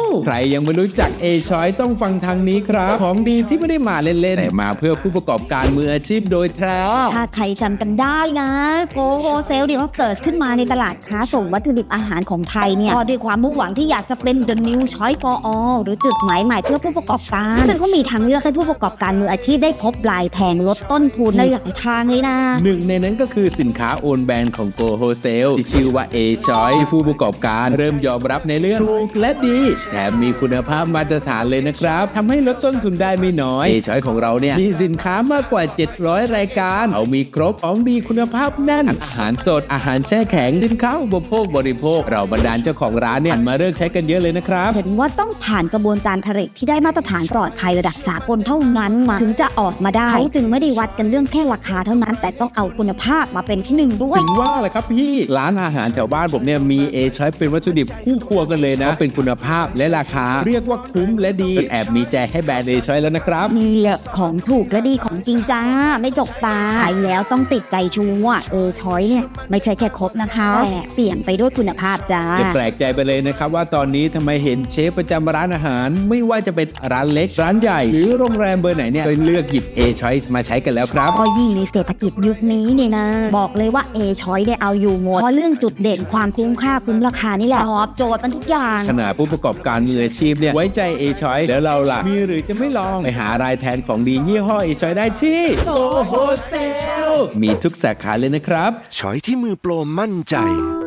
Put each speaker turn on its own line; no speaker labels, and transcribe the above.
ใครยังไม่รู้จัก A-Choice ต้องฟังทางนี้ครับของดีที่ไม่ได้มาเล่นๆแต่มาเพื่อผู้ประกอบการมืออาชีพโดยแท้
ถ้าใครจำกันได้นะโกโฮเซลเนี่ยเกิดขึ้นมาในตลาดค้าส่งวัตถุดิบอาหารของไทยเนี่ยก็ด้วยความมุ่งหวังที่อยากจะเป็น The New Choice for All หรือจุดหมายใหม่เพื่อผู้ประกอบการซึ่งก็มีทางเลือกให้ผู้ประกอบการมืออาชีพได้พบปลายแทงลดต้นทุนในหลายทางเลยนะ
หนึ่งในนั้นก็คือสินค้าโอนแบรนด์ของ Go Wholesale ที่ชื่อว่า A-Choice ที่ผู้ประกอบการเริ่มยอมรับในเรื่องถูกและดีแถมมีคุณภาพมาตรฐานเลยนะครับทำให้ลดต้นทุนได้ไม่น้อย A-Choice ของเราเนี่ยมีสินค้ามากกว่า700รายการเอามีครบของดีคุณภาพแน่นอาหารสดอาหารแช่แข็งสินค้าอุปโภคบริโภคเราบรรดาเจ้าของร้านเนี่ยมาเลิกใช้กันเยอะเลยนะครับ
เห็นว่าต้องผ่านกระบวนการผลิตที่ได้มาตรฐานปลอดภัยระดับสากลเท่านั้นถึงจะออกมาได้เขาจึงไม่ได้วัดกันเรื่องแค่ราคาเท่านั้นแต่ต้องเอาคุณภาพมาเป็นที่หนึ่งด้วย
ถึงว่าแหละครับพี่ร้านอาหารแถวบ้านผมเนี่ยมี A-Choice เป็นวัตถุดิบคู่ครัวกันเลยนะเป็นคุณภาพและราคาเรียกว่าคุ้มและดีแอบมีใจให้แบรนด์ A-Choice แล้วนะครับ
นี่แหละของถูกและดีของจริงจ้าไม่จกตาใช้แล้วต้องติดใจชัวร์Choice เนี่ยไม่ใช่แค่ครบนะคะแต่เปี่ยมไปด้วยคุณภาพจ้า
จะแปลกใจไปเลยนะครับว่าตอนนี้ทำไมเห็นเชฟประจำร้านอาหารไม่ว่าจะเป็นร้านเล็กร้านใหญ่หรือโรงแรมเบอร์ไหนเนี่ยก็เลือกหยิบ A-Choice มาใช้กันแล้วครับ
ก็ยิ่งในเศรษฐกิจยุคนี้เนี่ยนะบอกเลยว่า Choice ได้เอาอยู่หมดเพราะเรื่องจุดเด่นความคุ้มค่าคุ้มราคานี่แหละตอบโจทย์มันทุกอย่าง
ขนาดผู้ประกอบการมืออาชีพเนี่ยไว้ใจ A-Choice แล้วเราล่ะมีหรือจะไม่ลองไปหารายแทนของดียี่ห้อ A-Choice ได้ที่ Go Wholesale มีทุกสาขาเลยนะครับ
ช้อยที่มือโปรมั่นใจ